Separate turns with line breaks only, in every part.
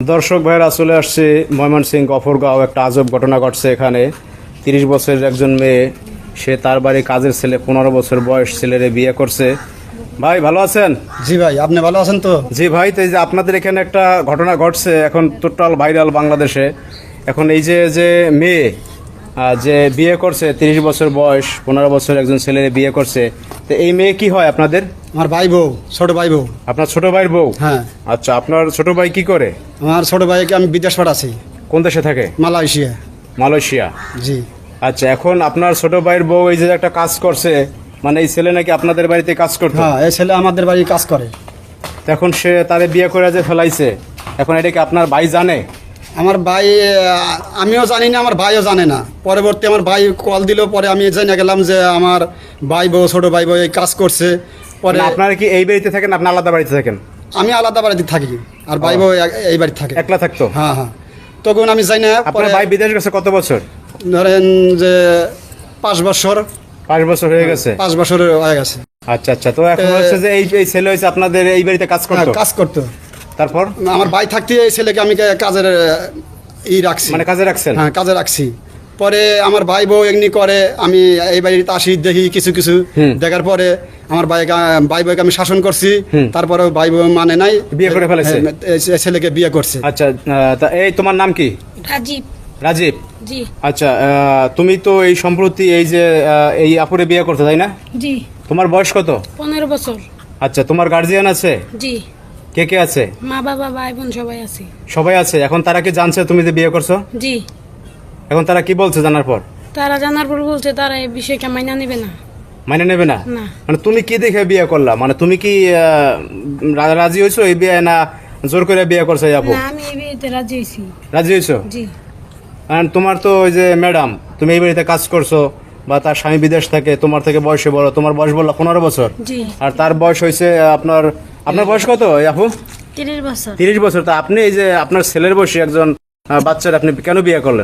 দর্শক ভাইরা চলে আসছে ময়মনসিংহ গফরগাঁও। একটা আজব ঘটনা ঘটছে এখানে। 30 বছরের একজন মেয়ে, সে তার বাড়ি কাজের ছেলে, 15 বছর বয়স ছেলেরে বিয়ে করছে। ভাই ভালো আছেন?
জি ভাই, আপনি ভালো আছেন তো?
জি ভাই, তো এই যে আপনাদের এখানে একটা ঘটনা ঘটছে, এখন টোটাল ভাইরাল বাংলাদেশে। এখন এই যে যে মেয়ে যে বিয়ে করছে, 30 বছর বয়স, 15 বছর একজন ছেলেরে বিয়ে করছে, তো এই মেয়ে কি হয় আপনাদের?
আমার ভাই বউ, ছোট ভাই বউ।
আপনার ছোট ভাইয়ের বউ?
হ্যাঁ।
আচ্ছা, আপনার ছোট ভাই কি করে?
আমার ছোট ভাইকে আমি বিদেশ পাঠাচ্ছি।
কোন দেশে থাকে?
মালয়েশিয়া।
মালয়েশিয়া।
জি।
আচ্ছা, এখন আপনার ছোট ভাইয়ের বউ এই যে একটা কাজ করছে, মানে এই ছেলে নাকি আপনাদের বাড়িতে কাজ করতো?
হ্যাঁ, এই ছেলে আমাদের বাড়ি কাজ করে।
এখন সে তারে বিয়ে করে যে ফেলাইছে, এখন এটা কি আপনার ভাই জানে?
আমার ভাই, আমিও জানি না, আমার ভাইও জানে না। পরবর্তী আমার ভাই কল দিল, পরে আমি জেনে গেলাম যে আমার ভাই বউ, ছোট ভাই বউ এই কাজ করছে। পরে
মানে আপনারা কি এই বাড়িতে থাকেন, আপনি আলাদা বাড়িতে থাকেন?
আমি আলাদা বাড়িতে থাকি, আর ভাই বউ এই বাড়িতে থাকে।
একলা থাকতো?
হ্যাঁ হ্যাঁ। তখন আমি যাই না।
আপনার ভাই বিদেশ গেছে কত বছর?
ধরেন যে 5 বছর।
5 বছর হয়ে গেছে?
5 বছর হয়ে গেছে।
আচ্ছা আচ্ছা, তো এখন হচ্ছে যে এই ছেলে হয়েছে আপনাদের এই বাড়িতে কাজ
হ্যাঁ,
করতো?
কাজ করতো।
তারপর
আমার ভাই থাকতে এই ছেলেকে আমি কাজের রাখছি।
মানে কাজে রাখছেন?
হ্যাঁ, কাজে রাখছি। পরে আমার ভাই বউ এমনি করে, আমি এই বাড়িতে আসি, দেখি কিছু কিছু দেখার পরে আমার ভাই বউকে আমি শাসন করছি। তারপরে ভাই বউ মানে নাই,
বিয়ে করে ফেলেছে?
এই ছেলেকে বিয়ে করছে।
আচ্ছা, তা এই তোমার নাম কি?
রাজীব।
রাজীব?
জি।
আচ্ছা, তুমি তো এই সম্প্রতি এই যে এই আপুরে বিয়ে করতে, তাই না?
জি।
তোমার বয়স কত?
15 বছর।
আচ্ছা, তোমার গার্জিয়ান আছে?
জি।
কে কে আছে?
মা বাবা ভাই বোন সবাই আছে।
সবাই আছে। এখন তারা কি জানছে তুমি যে বিয়ে করছো?
জি।
এখন তারা কি বলছে জানার পর?
তারা জানার পর বলছে তারা এই বিষয়কে মাইনা নেবে না।
মানে নেবে না?
না।
মানে তুমি কি দেখে বিয়ে করলা? মানে তুমি কি রাজি হয়েছো এই বিয়ে, না জোর করে বিয়ে করছো এই আপু?
না, আমি এই বিয়েতে রাজি হয়েছি।
রাজি হয়েছো?
জি।
আর তোমার তো ওই যে ম্যাডাম, তুমি এই বাড়িতে কাজ করছো, বা তার স্বামী বিদেশ থাকে, তোমার থেকে বয়সে বড়, তোমার বয়স বললা 15 বছর।
জি।
আর তার বয়স হয়েছে আপনার বয়স কত এই আপু?
30 বছর।
30 বছর। তা আপনি এই যে আপনার ছেলের বয়সী একজন বাচ্চার আপনি কেন বিয়ে করলেন?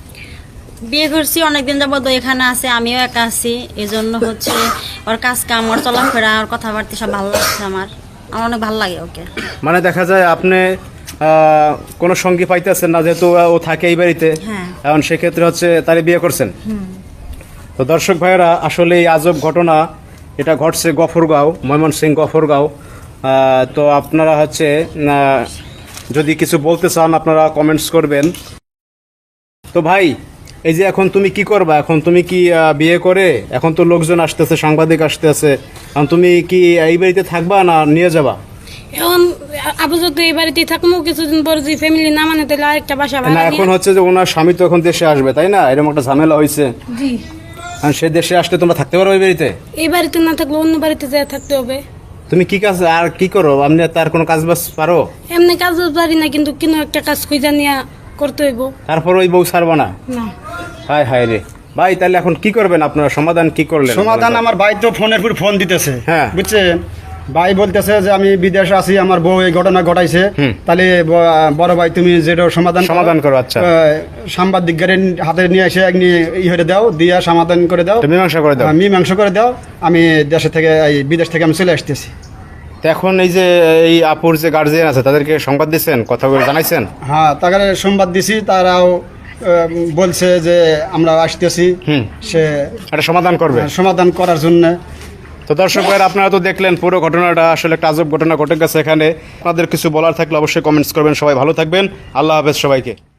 বিয়ে করছি অনেকদিন যাবত, এখানে আছে, আমিও একা আছি, এই জন্য হচ্ছে ওর কাজ কাম, ওর চলাফেরা, ওর কথাবার্তা সব ভালো লাগছে আমার অনেক ভালো লাগে ওকে।
মানে দেখা যায় আপনি কোনো সঙ্গী পাইতেছেন না, যেহেতু ও থাকে এই বাড়িতে।
হ্যাঁ।
এখন সেক্ষেত্রে হচ্ছে তারে বিয়ে করছেন। তো দর্শক ভাইয়েরা, আসলে এই আজব ঘটনা এটা ঘটছে গফরগাঁও, ময়মনসিংহ গফরগাঁও। তো আপনারা হচ্ছে যদি কিছু বলতে চান আপনারা কমেন্টস করবেন। তো ভাই, এই যে এখন তুমি কি করবা? এখন তুমি কি বিয়ে করে, এখন তো লোকজন আসতেছে, সাংবাদিক আসতেছে, এখন তুমি কি এই বাড়িতে থাকবা না নিয়ে যাবা?
এখন আপাতত এই বাড়িতেই থাকবো, কিছুদিন পর যদি ফ্যামিলি না মানে তাহলে আরেকটা বাসা
না,
ভাড়া
এখন
নিয়ে।
হচ্ছে যে ওনার স্বামী তো এখন দেশে আসবে, তাই না? এরকম একটা ঝামেলা হয়েছে।
জি।
আর সে দেশে আসলে তোমরা থাকতে পারো এই বাড়িতে?
এই বাড়িতে না থাকলে অন্য বাড়িতে যেয়ে থাকতে হবে।
তুমি কি কাজ আর কি করো? আপনি তার কোনো কাজ বাজ পারো?
এমনি কাজ পারি না, কিন্তু কোনো একটা কাজ খুঁজে নিয়ে করতে হইব।
তারপর ওই বউ ছাড়বো না?
না।
হায় হায় রে ভাই, তাহলে এখন কি করবেন আপনারা? সমাধান কি করলেন?
সমাধান, আমার ভাই তো ফোনের পর ফোন দিতেছে।
হ্যাঁ।
বুঝছেন, ভাই বলতেছে যে আমি বিদেশে আছি, আমার বউ এই ঘটনা ঘটাইছে। তাহলে বড় ভাই তুমি যেটা
সমাধান করো। আচ্ছা,
সাংবাদিকের হাতে নিয়ে এসে হয়ে দাও, দিয়া সমাধান করে দাও,
মীমাংসা করে দাও।
মীমাংসা করে দাও। আমি দেশে থেকে, এই বিদেশ থেকে আমি চলে আসতেছি।
তো এখন এই যে এই আপুর যে গার্জিয়ান আছে তাদেরকে সংবাদ দিচ্ছেন, কথাগুলো জানাইছেন?
হ্যাঁ, তাকে সংবাদ দিছি, তারাও বলছে যে আমরা আসতেছি, সে
একটা সমাধান করবে,
সমাধান করার জন্য।
তো দর্শক ভাইরা, আপনারা তো দেখলেন পুরো ঘটনাটা, আসলে একটা আজব ঘটনা ঘটে গেছে এখানে। আপনাদের কিছু বলার থাকলে অবশ্যই কমেন্টস করবেন। সবাই ভালো থাকবেন। আল্লাহ হাফেজ সবাইকে।